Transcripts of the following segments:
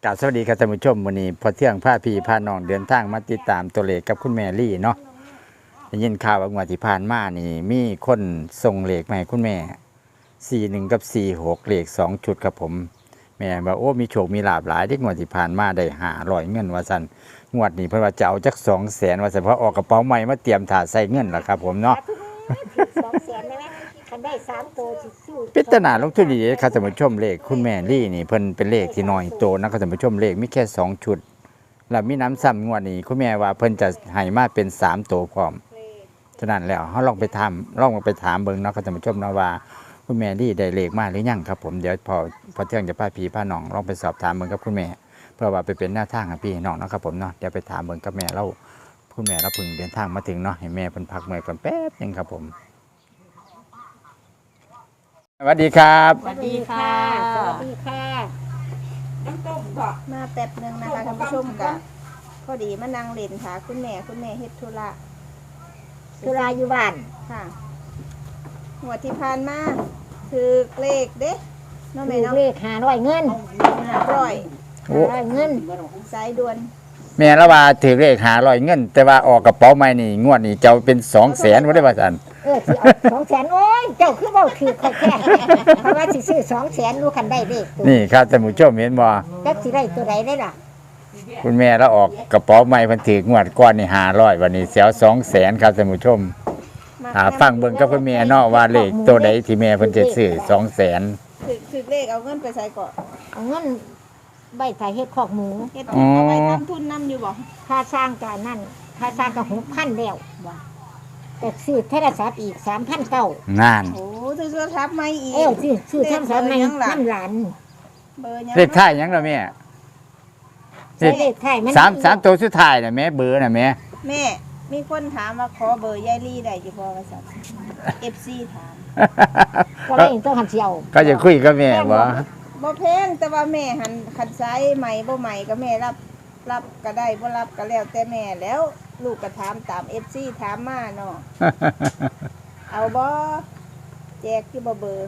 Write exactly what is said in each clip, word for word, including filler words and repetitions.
กราบสวัสดีครับท่านผู้ชมวันนี้พอเที่ยงพาพี่พาน้องเดินทางมาติดตามตัวเลขกับคุณแม่ลี่เนาะได้ยินข่าวว่างวดที่ผ่านมานี่มีคนส่งเลขมาให้คุณแม่สี่หนึ่งกับสี่หกเลขสองชุดครับผมแม่บอกโอ้มีโชคมีลาภหลายที่งวดที่ผ่านมาได้หาร้อยเงินว่าสันงวดนี้เพิ่นว่าจะเอาจักสองแสนว่าสันเพราะออกกระเป๋าใหม่มาเตรียมถาใส่เงินล่ะครับผมเนาะสองแสนได้ไหมคันได้สามตัวสิซื้อพิจารณาลงทุนดีๆครับท่านผู้ชมเลขคุณแม่ลี่นี่เพิ่นเป็นเลขที่น้อยโตนะครับท่านผู้ชมเลขมีแค่สองชุดแล้วมีน้ำซ้ำงวดนี้คุณแม่ว่าเพิ่นจะให้มาเป็นสามตัวพร้อมฉะนั้นแล้วเฮาลองไปถามลองไปถามเบิ่งเนาะครับท่านผู้ชมเนาะว่าคุณแม่ลี่ได้เลขมาหรือยังครับผมเดี๋ยวพอพอเที่ยงจะพาพี่พาน้องลองไปสอบถามเบิ่งกับคุณแม่เพื่อว่าไปเป็นแนวทางให้พี่น้องเนาะครับผมเนาะเดี๋ยวไปถามเบิ่งกับแม่เราคุณแม่เราเพิ่งเดินทางมาถึงเนาะให้แม่เพิ่นพักเมื่อยก่อนแป๊บนึงครับผมสวัสดีครับสวัสดีค่ะสวัสดีค่ะมาแป๊บหนึงนะคะท่านผู้ชมกับพอดีมานั่งเล่นค่ะคุณแม่คุณแม่เฮ็ดธุระธุระอยู่บ้านค่ะหัวดที่ผ่านมาคือเลขเด้เน้องแม่ถูกเนาะเลขหาร้อยเงินห้าร้อยโอ้หาร้อยเงินสายด่วนแม่ละว่าถือเลขหาร้อยเงิน แต่ว่าออกกระเป๋าใหม่นี่งวดนี้เจ้าเป็นสองแสนว่าได้ป่ะสันเออสิเอาสองแสนโอ้ยเจ้าคือเบาถือค่อยแค่เพราะว่าสิซื้อสองแสนรู้คันได้เลขตัวนี่ครับท่านผู้ชมเห็นบ่จักสิได้ตัวใดได้ล่ะคุณแม่ละออกกระเป๋าใหม่เพิ่นถืองวดก้อนนี่หาร้อยวันนี้เสียวสองแสนครับท่านผู้ชมมาหาฟังเบิ่งกับคุณแม่เนาะว่าเลขตัวใดที่แม่เพิ่นจะซื้อสองแสนคือคือเลขเอาเงินไปใส่ก่อนเอาเงินใบถ่ายเฮ็ดคอกหมูเฮ็ดทุนเอาไว้ทำทุนนำอยู่บ่ค่าสร้างการนั่นค่าสร้างก็หกพันแล้วแต่ซื้อโทรศัพท์อีกสามพันเก้านั่นโอ้ซื้อโทรศัพท์ใหม่อีกเออซื้อซื้อโทรศัพท์ใหม่น้ำหลานเบอร์ยังเลขท้ายหยังล่ะแม่เลใช้ขเลขไทยมันสามสามตัวสุดท้ายน่ะแม่เบอร์น่ะแม่แม่มีคนถามว่าขอเบอร์ยายลี่ได้อยู่บ่ว่าซั่น เอฟ ซี ถามก็เลยต้องหันเสียวก็จะคุยกับแม่บ่บ่แพงแต่ว่าแม่หันคันไซใหม่บ่ใหม่ก็แม่รับรับก็ได้บ่รับก็แล้วแต่แม่แล้วลูกก็ถามตาม เอฟ ซี ถามมาเนาะ เอาบ่แจกที่บ่เบอร์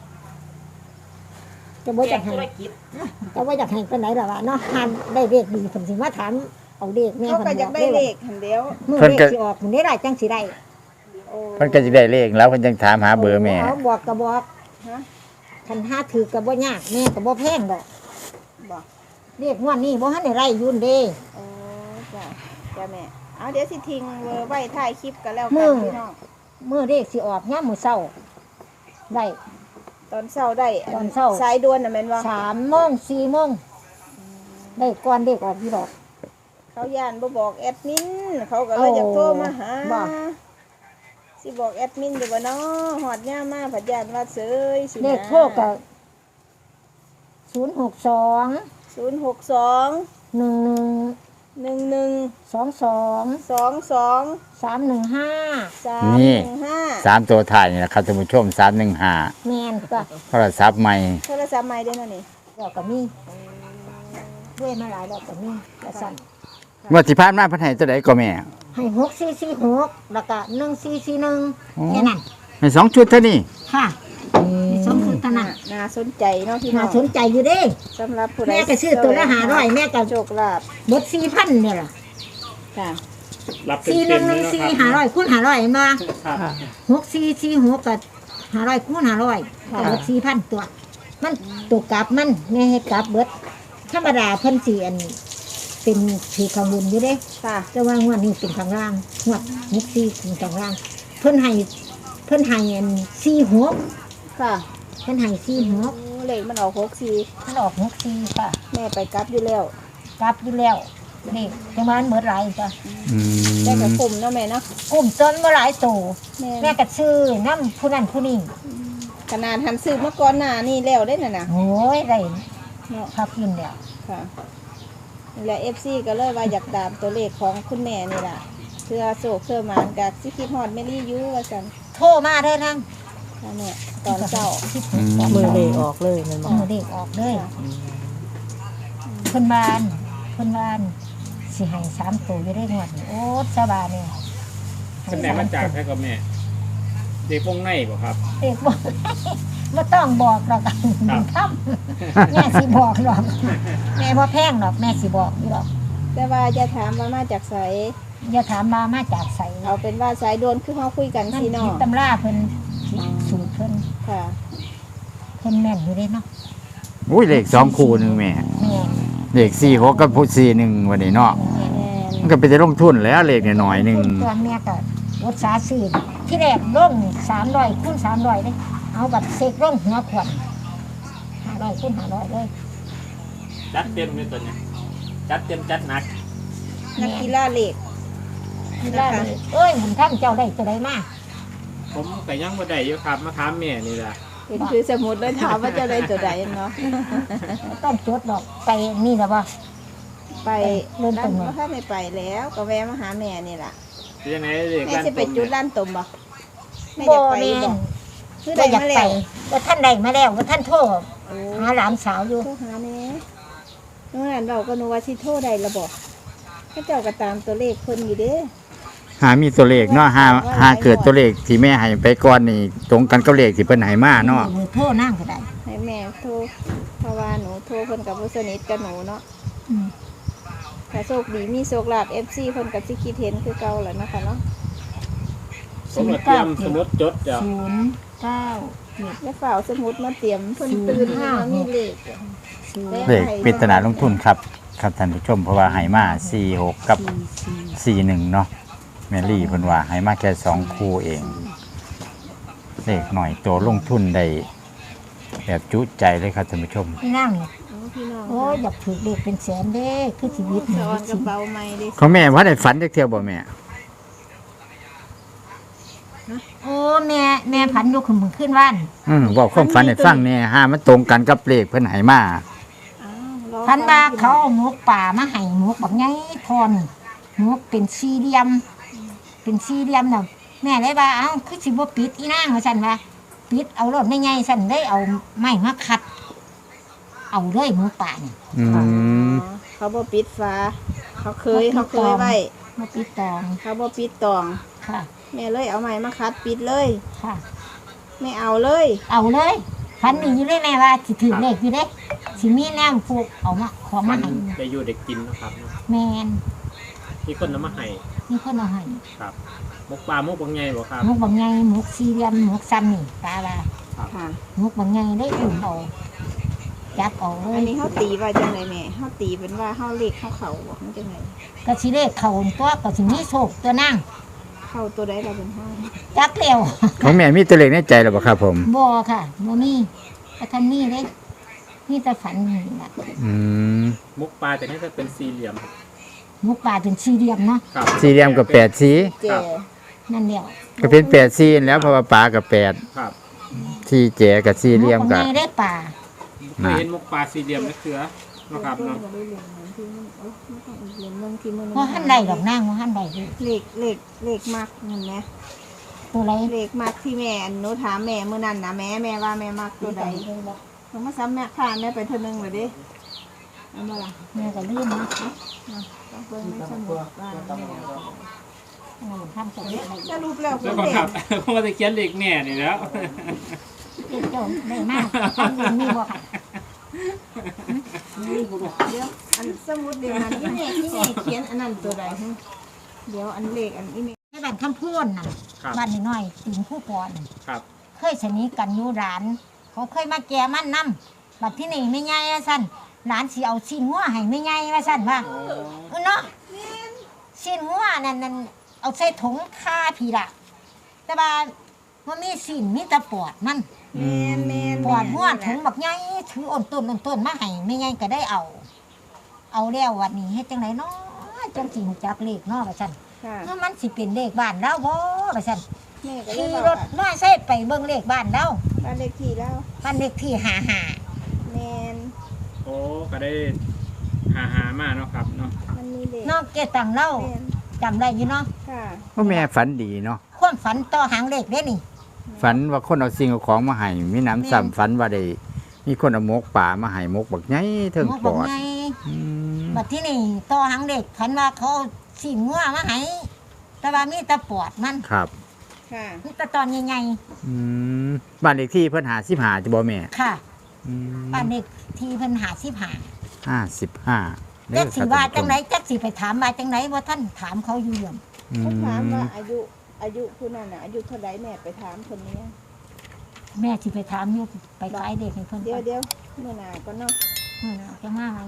จะบ่อยากให้จะบ่อยากให้ปานไหนล่ะวะเนาะหันได้เลขดีผมสิมาถามเอาเลขแม่เขาเพิ่นก็บอยาอกกได้เลขหันเดียวมื้อเลขสิออกมื้อนี้ได้จังสิได้โอ้เพิ่นก็สิได้เลขแล้วเพิ่นจังถามหาเบอร์แม่เอาบอกก็บอกฮะคันหาถือก็บ่ยากแม่ก็บ่แพงดอกบ่เลขงวดนี้บ่ทันได้ไล่อยุ่นเด้โอ้จ้ะจ้ะแม่เอาเดี๋ยวสิทิ้งเบอร์ไว้ท้ายคลิปก็แล้วมื้กันอพี่น้องมื้อเลขสิออกยามมื้อเช้าได้ตอนเช้าได้ตอนเช้าสายด่วนน่ะแม่นบ่สามโมงสี่โมงได้ก่อนเลขออกอยู่ดอกเขาย่านบ่บอกแอดมินเขาก็เลยอยากโทรมาหาบ่สิบอกแอดมินอยู่บ่เนาะฮอดยามมาผัดย่านว่าเสยสินะเลขโทรก็ศูนย์หกสองศูนย์หกสองหนึ่งหนึ่งหนึ่งหนึ่งสองสองสองสองสามหนึ่งห้าสามหนึ่งห้าสามตัวท้ายนี่นะครับท่านผู้ชมสามหนึ่งห้าแมนก็โทรศัพท์ใหม่โทรศัพท์ใหม่เด้อเนาะนี่ดอกก็มีด้วยมาหลายดอกก็มีกระสันงวดที่ผ่านมาเพิ่นให้ตัวใดก็แม่ให้หกสี่สี่หกแล้วก็หนึ่งสี่สี่หนึ่งแค่นั้นให้สองชุดเท่านี้ค่ะมีสองชุดเท่านั้นน่าสนใจเนาะพี่น้น่าองสนใจอยู่เด้สำหรับผู้ใดแม่ก็ซื้อตัวละห้าร้อยแม่ก็โชคลาภหมดสี่พันเนี่ยล่ะค่ะรับเต็สี่หมนึ่งๆหเลนึ่ยงนะสี่ครับห้าร้อยคูณห้าร้อยมาครับหกสี่สี่หกกับห้าร้อยคูณห้าร้อยก็หมดสี่พันตัว มันตัวกลับมันแม่ให้กลับเบิดธรรมดาเพิ่นสิอันเป็นถือข้างบนอยู่เด้ค่ะแต่ว่างวดนี้เป็นข้างล่างงวดหกสี่เป็นข้างล่าง เพิ่นให้เพิ่นให้อันสี่หกค่ะเพิ่นให้สี่หกโอ้เลขมันออกหกสี่มันออกหกสี่ค่ะแม่ไปกลับอยู่แล้วกลับอยู่แล้วนี่จังหวะมันเบิดหลายจ้ะอืได้กับมกลุ่มเนาะแม่เนาะกลุ่มต้นบ่หลายโตแม่แม่ก็ซื้อน้ำผู้นั้นผู้นี้ขนาดหันซื้อมาก่อนหน้านี่แล้วได้น่ะนะโอ้ยได้เนาะพักกินแล้วค่ะนี่แหละ เอฟ ซี ก็เลยว่าอยากตามตัวเลขของคุณแม่นี่ล่ะเพื่อโศกเพื่อหมานกับสิคิดฮอดแม่ลี่อยูว่าซั่นโทรมาเด้อนั่งค่ะแม่ตอนเช้ามือเลขออกเลยมันบอกมือเด็กออกเลยเพิ่นบานเพิ่นบานสิให้สามตัวอยู่ได้งวดนี้โอ้สบายเนี่ยเป็นไหนมาจากแค่กับแม่ เด็กวงในบ่ครับเด็กบ่บ่ต้องบอกหรอกครับแม่สิบอกหรอกแม่บ่แพงหรอกแม่สิบอกอยู่หรอกแต่ว่าจะถามว่ามาจากไสอย่าถามมามาจากไสเอาเป็นว่าสายโดนคือเฮาคุยกันนั่นสิผิเนาะดตำราเพิ่นผิดสูตรเพิ่นค่ะเพิ่นแม่นอยู่เด้เนาะอุ้ยเลขสองคู่หนึงแม่แม่นเลขสี่หกกับสี่หนึ่งวันนี้เนาะแม่นมันก็เป็นจะลงทุนแล้วเลขน้อยๆหนึงตัวแม่ก็อุตสาห์ซื้อที่แรกลงสามร้อยคูณสามร้อยเด้เอาบัตรเสกลงหัวขวดห้าร้อยคูณห้าร้อยเลยจัดเต็มเลยตัวเนี้ยจัดเต็มจัดหนักนักกีฬาเหล็กที่ได้เลยเอ้ยมันท่านเจ้าได้ตัวใดมาผมก็ยังบ่ได้อยู่ครับมาถามแม่นี่ล่ะเห็นคือสมุดเลยถามว่าจะได้ตัวใดเนาะต้องจดดอกไปนี่แล้วบ่ไปเริ่มต้นร้านถ้าไม่ไปแล้วก็แวะมาหาแม่นี่ล่ะเป็นยังไงเลขแม่ร้านจะไปต้มจุดเนี่ยร้านตมบ่แม่บ่จะไปแม่บ่นคือก็ได้อยากมาไปแล้วว่าท่านได้มาแล้วว่าท่านโทรโอ้หาหลานสาวอยู่โทรหาแม่นู่นนั่นเราก็นึกว่าสิโทรได้ละบ่เขาเจ้าก็ตามตัวเลขเพิ่นอยู่เด้หามีตัวเลขเนาะหาหาเกิดตัวเลขที่แม่ให้ไปก่อนนี่ตรงกันกับเลขที่เพิ่นให้มาเนาะมือโทรนั่งก็ได้ให้แม่โทรเพราะว่าหนูโทรเพิ่นกับบ่สนิทกับหนูเนาะอืมถ้าโชคดีมีโชคลาภ เอฟ ซี เพิ่นก็สิคิดเห็นคือเก่าแหละเนาะค่ะเนาะสมุดเตรียมสมุดจดเดี๋ยวศูนย์เก้าเจ็ดแล้วฝ่าวสมุดมาเตรียมเพิ่นตื่นมามีเลขศูนย์เลขปริศนาลงทุนครับครับท่านผู้ชมเพราะว่าให้มาสี่หกกับสี่สี่สี่หนึ่งเนาะแมรี่เพิ่นว่าให้มาแค่สองคู่เองเลขหน่อยตัวลงทุนได้แบบจุใจเลยครับท่านผู้ชมพี่นั่งนี่โอ้พี่น้องโอ้ยอยากถือเลขเป็นแสนเด้คือชีวิตสนี่อนกระเป๋าใหม่เด้เขาแม่ว่าได้ฝันจักเที่ยวบ่แม่โอ้แม่แม่ผันยกขึ้นมือขึ้นว่านอืมบอกความฝันให้ฟังแหน่ห้ามันตรงกันกับเลขเพิ่นให้มาอ้าวรอพันว่าเขาเอาหมกป่ามาให้หมกแบบไงทอนหมกเป็นสี่เหลี่ยม เป็นสี่เหลี่ยมน่ะแม่เลยว่าเอ้าคือสิบ่ปิดอีนางว่าซั่นว่าปิดเอารถไม่ไงซั่นได้เอาไม้มาขัด เอาเลยหมกป่านี่อือ๋อมเขาบ่ปิดฝาเขาเคยเขาเคยไว้มาปิดตองเขาบ่ปิดตองค่ะแม่เลยเอาไม้มาคัดปิดเลยค่ะไม่เอาเลยเอาเลยพันนี่อยู่เลยแม่ว่าสิถือเลขอยู่เด้สิมีแนมฟูกเอามาของมัมาน ให้ได้อยู่ได้กินเนาะครับเนาะแมนมีคนนำมาให้มีคนเอาให้ครับมุกปลามุกบางไงบ่ครับหมกบางไงหมกสี่เหลี่ยมหมกซ้ำนี่ตาว่าค่ะหมกบางไงได้อุ่นเอาจับเอาเลอัยนนี้เขาตีว่าจังไดแม่เขาตีเป็นว่าเขาเลขเขาเขาบ่มันจังไดก็สิเลขเขาตัวก็สิมีโชคตัวนั่งเข้าตัวใดเราเป็นห้าจักเร็วของแม่มีตัวเลขในใจแล้วบ่ครับผมบ่ค่ะบ่มีแต่ท่านนี่เด้นี่แต่ฝันนี่ล่ะอืมมุกปลาแต่นี่จะเป็นสี่เหลี่ยมหมกป่าเป็นสี่เหลี่ยมเนาะครับสี่เหลี่ยมกับแปดสีเจนั่นเดียวก็เป็นแปดสีแล้วเพราะว่าปลากับแปดครับที่แจกับสี่เหลี่ยมหมกกับาบงไงได้ป่าเคยเห็นมุกปลาสี่เหลี่ยมนักเสือเนาะครับเนาะเพราะท่านใดดอกนางเพราะท่านใดอยู่เลขเลขเลขมากเงินไหมตัวไรเลขมากที่แม่หนูถามแม่เมื่อนั้นนะแม่แม่ว่าแม่มากตัวใดหนูมาซ้ำแม่ผ่านแม่ไปเท่านึงเลยดิเอามาละแม่ก็ลืมนะต้องเบิ่งไม่สมุดว่าแม่เออทำกับเด็กอะไรสรุปแล้วแล้วคุก็ณคเด็รับกผมก็จะเขียนเลขแม่นี่แล้วเด็กเจ้าได้มากทำเองมีบ่ค่ะเดี๋ยวอันสมุดเดียวนั้นที่แม่ที่แม่เขียนอันนั้นตัวใดฮะเดี๋ยวอันเลขอันนี้แม่ให้บ้านคำพูนน่ะครับบ้านน้อยๆติงผู้ปอนครับเคยสนิทกันอยู่ร้าน เขาเคยมาแก่มันนำบัดที่นี่ไม่ไงว่าซั่นหลานสิเอาชิ้นงัวให้ไม่ไงว่าซั่นว่าเออเนาะชิ้นงัวนั่นนั่นเอาใส่ถุงคาพี่ละแต่ว่ามันมีสิ่นมีแต่ปอดมันแม่นแม่นปอดหัวถุงบักใหญ่ถืออ่อนต้นอ่อนต้นมาให้ไม่ไงก็ได้เอา เอาแล้ววันนี้เฮ็ดจังไดเนาะจังสิรู้จักเลขเนาะว่าซั่นค่ะเออมันสิเป็นเลขบ้านเราบ่ว่าซั่นแม่ก็เลขี่ยบอกรถน้อยใส่ไปเบิ่งเลขบ้านเราบ้านเลขที่แล้วบ้านเลขที่ห้าห้าแม่นโอ้ก็ได้หาหามาเนาะครับเนาะมันมีเลขนอกเกตังเราแม่นจำได้อยู่เนาะค่ะพ่อแม่ฝันดีเนาะความฝันต่อหางเลขเด้นี่ฝันว่าคนเอาสิ่งเอาของมาให้มีน้ำซ้ำฝันว่าได้มีคนเอาหมกป่ามาให้หมกบักใหญ่เทิงหมอปบอกอดไงอืมบัดที่นี่ต่อหางเลขฝันว่าเขาเอาสิงัวมาให้แต่ว่ามีแต่ปอดมันครับค่ะนี่ตะตอนใหญ่อืมบ้านเลขที่เพิ่นหาสิบหาจะบ่แม่ๆค่ะอืมบ้านเด็กที่เพิ่นหาสิบหาห้าสิบห้าจักสิว่าจังไหนจักสิไปถามว่าจังไหนว่าท่านถามเขาอยู่เรื่องอืเขาถามมว่าอายุอายุผู้นั้นน่ะอายุเท่าไรแม่ไปถามคนนี้แม่สิไปถามอยู่ไปขายเด็กให้เพิ่นเดี๋ยวก่อนเดี๋ยวเมื่อหนาก็เนาะเมื่อน่ะจะมาไหม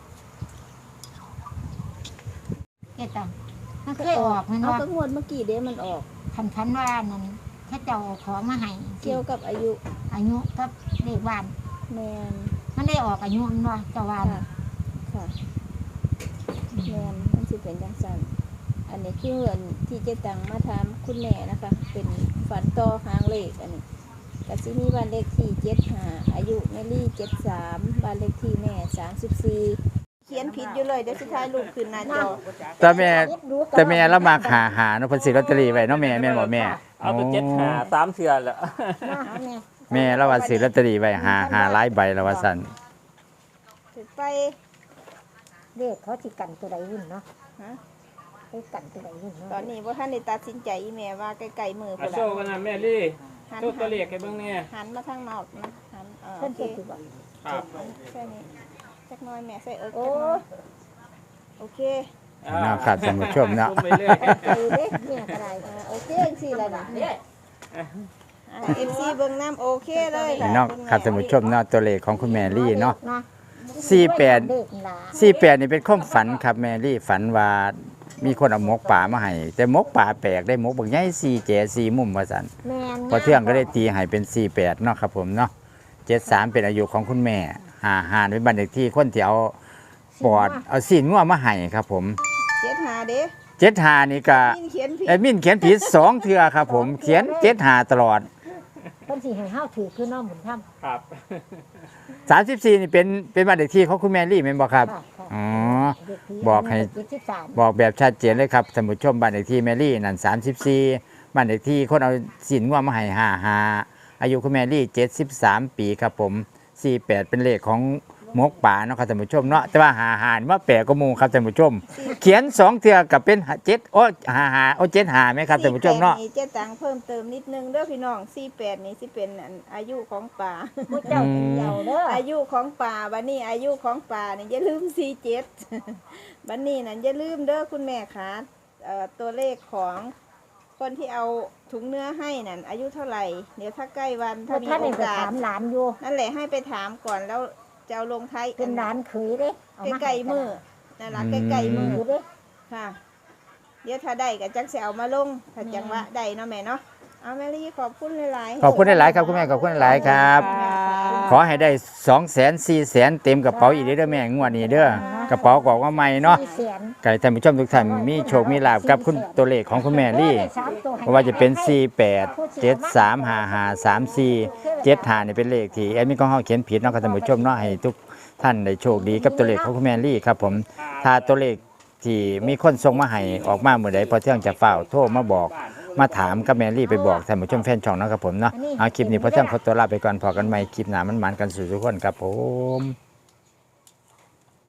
เกตังมันเคยออกแมันเอาว่าก็งวดเมื่อกี้เด้มันออกคันคันว่านั่นถ้าเจ้าเอาของมาให้เกี่ยวกับอายุอายุกับเลขบ้านแมนมันได้ออกอายุมันว่าเจ้าว่าค่ะน่ะค่ะแมนมันสิเป็นจังสันอันนี้คืออันที่เจตังมาถามคุณแม่นะคะ เป็นฝันต่อหางเลขอันนี้กสิมีบ้านเลขที่เจ็ดห้าอายุแมลี่เจ็ดสามบ้านเลขที่แม่สามสิบสี่เขียนผิดอยู่เลยเดี๋ยวสุดท้ายลูกขึ้นหน้าจอแต่แม่แต่แม่ละมาหาหาเนาะเพิ่นซื้อลอตเตอรี่ไว้เนาะแม่แม่นบ่แม่เอาตัวเจ็ดหาสามเทือแล้วมาหาแม่แม่ละว่าซื้อลอตเตอรี่ไว้หาหาหลายใบแล้วว่าซั่นถึงไปเลขเขาสิกันตัวใดวุ่นเนาะฮะไปกันตัวใดวุ่นเนาะตอนนี้ว่าท่านได้ตัดสินใจอีแม่ว่าใกล้ๆมืออาพุ่นโชละว์กันนะแม่ลี่หันโชว์ตัวเลขให้เบิ่งเนี่ยหันมาทางนอกนะหันเออเพิ่โอน เคเพิ่นสิบอกครับแค่นี้จักหน้อยแม่ใส่เอิร์กโอ้โอเคเนาะครับท่านผู้ชมเนาะซูไปเรื่อยใจเด็กเนี่ยก็ได้อ่าโอเคสิแล้วนะเอฟซีเบิ้งน้ำโอเคเลยพี่น้องครับท่านผู้ชมเนาะตัวเลขของคุณแม่ลี่เนาะเนาะสี่แปดเด็กหลาสี่แปดนี่เป็นความฝันครับแม่ลี่ฝันว่ามีคนเอาหมกป่ามาให้แต่หมกป่าแปลกได้หมกบางใหญ่สี่แก่สี่มุมว่าซั่นแม่นพอเที่ยงก็ได้ตีให้เป็นสี่แปดเนาะครับผมเนาะเจ็ดสามเป็นอายุของคุณแม่หาหานเป็นบันเด็กที่คนที่เอาปอดเอาสีนงัวมาให้ครับผมเจ็ดหาเด้เจ็ดหานี่ก็มินเขียนผิดแอดมินเขียนผิดสองเทือครับผมเขียนเจ็ดหาตลอดเพิ่นสิให้เฮาถือคือน้องหมุนทำครับสามสิบสี่นี่เป็นเป็นบันเด็กที่ของคุณแม่ลี่เป็นบอกครับค่ะค่ะอ๋อเด็กผีบอกให้เจ็ดสิบสามบอกแบบชัดเจนเลยครับท่านผู้ชมบ้านเลขที่แมรี่นั่นสามสิบสี่บ้านเลขที่คนเอาสินง่วงมาให้ห้าห้าอายุคุณแมรี่เจ็ดสิบสามปีครับผมสี่แปดเป็นเลขของมกป่าเนาะครับท่านผู้ชมเนาะแต่ว่าหาหารว่าแปลกก็มูครับท่านผู้ชม เขียนสองเทือกับเป็นเจ็ดโอ้หาหาโอ้เจ็ดหาไหมครับท่านผู้ชมเนาะสี่แปดนี่เจ๊ตังเพิ่มเติมนิดนึงเด้อพี่น้องสี่แปดนี่สิเป็นอันอายุของป่าผู้เจ้าเป็นเยาเด้ออายุของป่าบันนี้อายุของป่านี่อย่าลืมสี่เจ็ด บันนี้นั่นอย่าลืมเด้อคุณแม่คะเอ่อตัวเลขของคนที่เอาถุงเนื้อให้นั่นอายุเท่าไหร่เดี๋ยวถ้าใกล้วันถ้าถ้ามีท่านโอนี่ไปกาสถามหลานอยู่นั่นแหละให้ไปถามก่อนแล้วจะเอาลงท้ายเป็นหลานเขยเด้เอามาใกล้ๆมือนั่นละใกล้ๆมืออยู่เด้ค่ะ เดี๋ยวถ้าได้ก็จักจะเอามาลงถ้าจังหวะได้เนาะแม่เนาะเอาแม่ลี่ขอบคุณหลายๆขอบคุณหลายๆครับคุณแม่ขอบคุณหลายๆครับ ขอให้ได้สองแสนสี่แสนเต็มกระเป๋าอีกเด้อแม่งวดนี้เด้อกระเป๋ากอกว่าใหม่เนาะสี่แสนไก่ท่านผู้ชมทุกท่านมีโชคมีลาบกับคุณตัวเลขของคุณแม่ลี่เพราะว่าจะเป็น สี่แปด เจ็ดสาม ห้าห้า สามสี่ เจ็ดห้านี่เป็นเลขที่แอดมินของเฮาเขียนผิดเนาะครับท่านผู้ชมเนาะให้ทุกท่านได้โชคดีกับตัวเลขของคุณแม่ลี่ครับผมถ้าตัวเลขที่มีคนส่งมาให้ออกมาเมื่อใดพอเที่ยงจะเฝ้าโทรมาบอกมาถามกับแม่ลี่ไปบอกท่านผู้ชมแฟนช่องเนาะครับผมเนาะเอาคลิปนี้พอเที่ยงขอตัวลาไปก่อนพอกันใหม่คลิปหน้ามันหมานกันสู่ทุกคนครับผม